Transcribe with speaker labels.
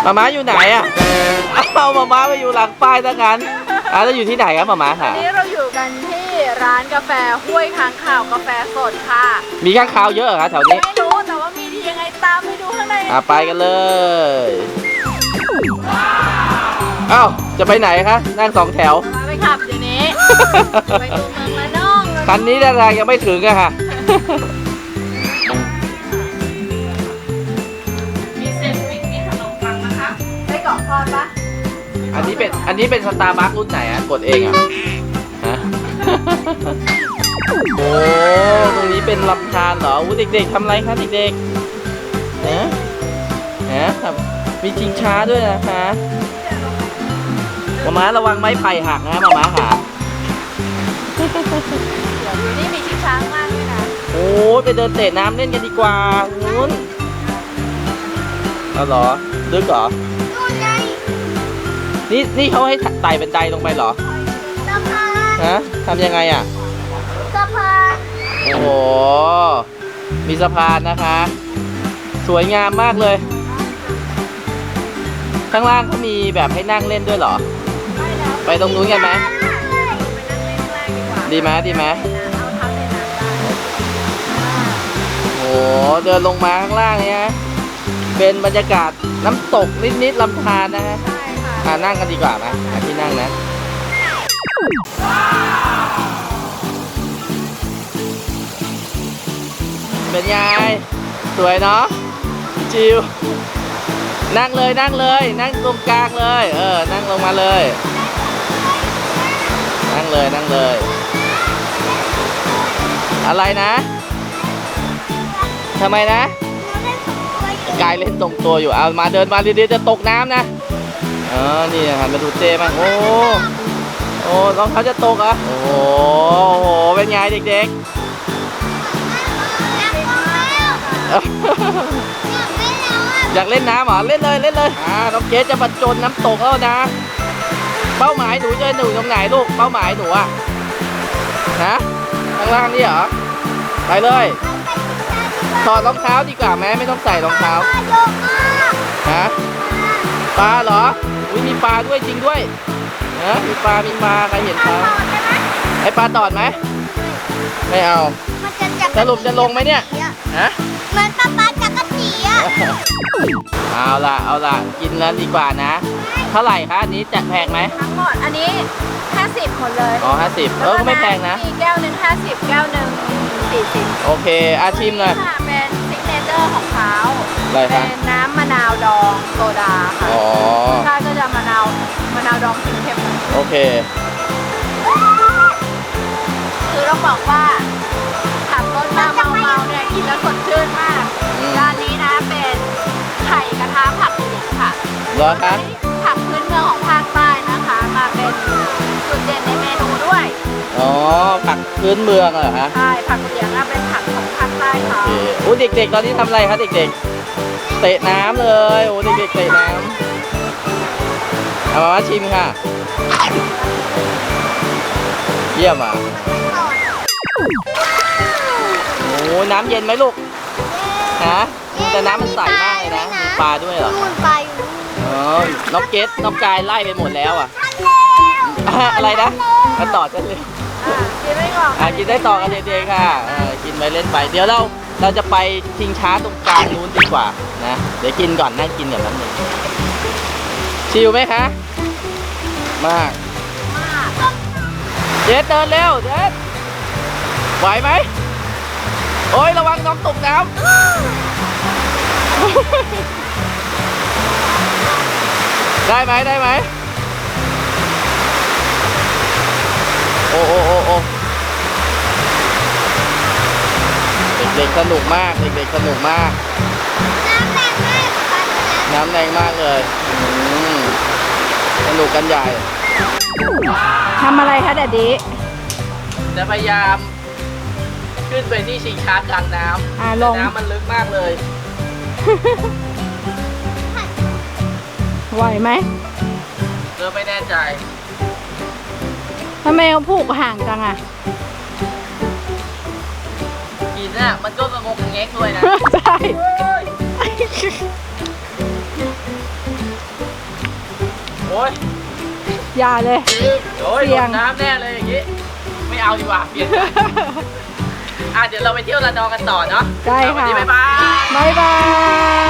Speaker 1: ม้าอยู่ไหนอ่ะเอาม้าไปอยู่หลังป้ายซะงั้นแล้วอยู่ที่ไหนครับม้าค่ะ
Speaker 2: วันนี้เราอยู่กันที่ร้านกาแฟห้วยค้างคาวกาแฟสดค่ะ
Speaker 1: มีข้างคาวเยอะเหรอคะแถวนี้
Speaker 2: ไม่รู้แต่ว่ามีดียังไงตามไปดูข้างใน
Speaker 1: ไปกันเลยอ้าวจะไปไหนคะนั่งสองแถว
Speaker 2: ไปขับเดี๋ยวนี้ไปดูเมืองละน้อง
Speaker 1: คันนี้แรงยังไม่ถึงอะค่ะ
Speaker 2: มีเซนด์วิชมีขนมปังนะคะไส้กรอกทอดปะ
Speaker 1: อันนี้เป็นสตาร์บัครุ่นไหนอะกดเองอะฮะโอ้ตรงนี้เป็นลำธารเหรอเด็กๆทำอะไรคะเด็กๆครับมีชิงช้าด้วยนะคะม้าระวังไม้ไผ่หักนะม้าค่ะ
Speaker 2: อยู่นี่มีชิงช้ามากเลยนะ
Speaker 1: โอ้ไปเดินเตะน้ำเล่นกันดีกว่านู้นเอาเหรอลึกเหรอนี่เขาให้ไต่เป็นไดลงไปเหรอ
Speaker 3: สะพาน
Speaker 1: ฮะทำยังไงอ่ะ
Speaker 3: สะพาน
Speaker 1: โอ้โหมีสะพานนะคะสวยงามมากเลยข้างล่างเขามีแบบให้นั่งเล่นด้วยเหรอไปตรงนู้นกันไหมดีไหมโอ้เดินลงมาข้างล่างเนี่ยเป็นบรรยากาศน้ำตกนิดๆลำธารนะฮะนั่งกันดีกว่าไหมที่นั่งนะเป็นไงสวยเนาะจิวนั่งเลยนั่งตรงกลางเลยนั่งลงมาเลยนั่งเลยอะไรนะทำไมนะกายเล่นตรงตัวอยู่เอามาเดินมาดีๆจะตกน้ำนะนี่หันมาดูเจมั้งโอ้รองเท้าจะตกอ่ะโอ้โหเป็นไงเด็กๆอยากเล่นน้ำเหรอเล่นเลยน้องเกสจะบรรจงน้ำตกแล้วนะเป้าหมายหนูจะอยู่ตรงไหนลูกเป้าหมายหนูอะนะข้างล่างนี่เหรอไปเลยถอดรองเท้าดีกว่าไหมไม่ต้องใส่รองเท้าฮะปลาเหรอมีปลาด้วยจริงด้วยมีปลาใครเห็นปลาให้ปลาตอดไหมไม่เอาสรุปจะลงไหมเนี่ยฮะ
Speaker 3: เหมือนป๊าจักรจีอ่ะ
Speaker 1: เอาล่ะกินแล้วดีกว่านะเท่าไหร่คะอันนี้จะแพงไหม
Speaker 2: ทั้งหมดอันนี้50หมดเลย
Speaker 1: 50ก็ไม่แพงนะ
Speaker 2: มีแก้วนึง50แก้วนึง40
Speaker 1: โอเคชิมเลย
Speaker 2: เป็นซิกเนเจอร์ของเขา
Speaker 1: เป็น
Speaker 2: น้ำมะนาวดองโซดาค่ะถ้าก็จะมะนาวดองเค็มๆ
Speaker 1: โอเค
Speaker 2: คือต้องบอกว่าขับรถมาเมาเนี่ยกินแล้วสดชื่นมากร้านนี้นะเป็นไข่กระทะผักเหลียงค่ะ
Speaker 1: เหรอคะ
Speaker 2: ผักพื้นเมืองของภาคใต้นะคะมาเป็นจุดเด่นในเมนูด้วย
Speaker 1: ผักพื้นเมืองเหรอคะ
Speaker 2: ใช่ผักเหลียงเป็นผักของภาคใต้ค่ะ
Speaker 1: เด็กๆตอนนี้ทำอะไรคะเด็กๆเตะน้ำเลยเด็กๆเตะน้ำเอามาชิมค่ะเยี่ยมอ่ะน้ำเย็นไหมลูกฮะแต่น้ำมันใสมากเลยนะมีปลาด้วยเหรอน้องเกสน้องกายไล่ไปหมดแล้วอ่ะอะไรนะมาต่อจะเลย
Speaker 2: กินได้ก่อน
Speaker 1: กินได้ต่อกันเด็กๆค่ะกินไปเล่นไปเดี๋ยวเราจะไปชิงช้าตรงกลางนู้นดีกว่านะเดี๋ยวกินก่อนนั่งกินกับน้ำหนึ่งชิลไหมคะมากเจสเดินเร็วเจสไหวไหมโอ้ยระวังน้องตกน้ำได้ไหมโอ้เด็กสนุกมากน้ำแรงมากเลยสนุกกันใหญ่
Speaker 2: ทำอะไรคะแดดดี้
Speaker 1: จะพยายามขึ้นไปที่ชิงช้ากลางน้ำน้ำมันลึกมากเลย
Speaker 2: ไหวไหม
Speaker 1: ไม่แน่ใจ
Speaker 2: ทำไมเขาผูกห่างจังอ่ะ
Speaker 1: กินน่ะมันก็กระงกกระแงกด้วยนะ
Speaker 2: ใช่
Speaker 1: อ้ย
Speaker 2: อย่าเลย
Speaker 1: โอ้ย
Speaker 2: เสี่
Speaker 1: ล
Speaker 2: ยง
Speaker 1: งน้ำแน่เลยอย่างนี้ ไม่เอาดีกว่าเปลี่ยนใจเดี๋ยวเราไปเที่ยวระนองกันต่อเนาะ
Speaker 2: ใช่ค่ะ
Speaker 1: วันนี้บ๊ายบาย
Speaker 2: บ๊ายบาย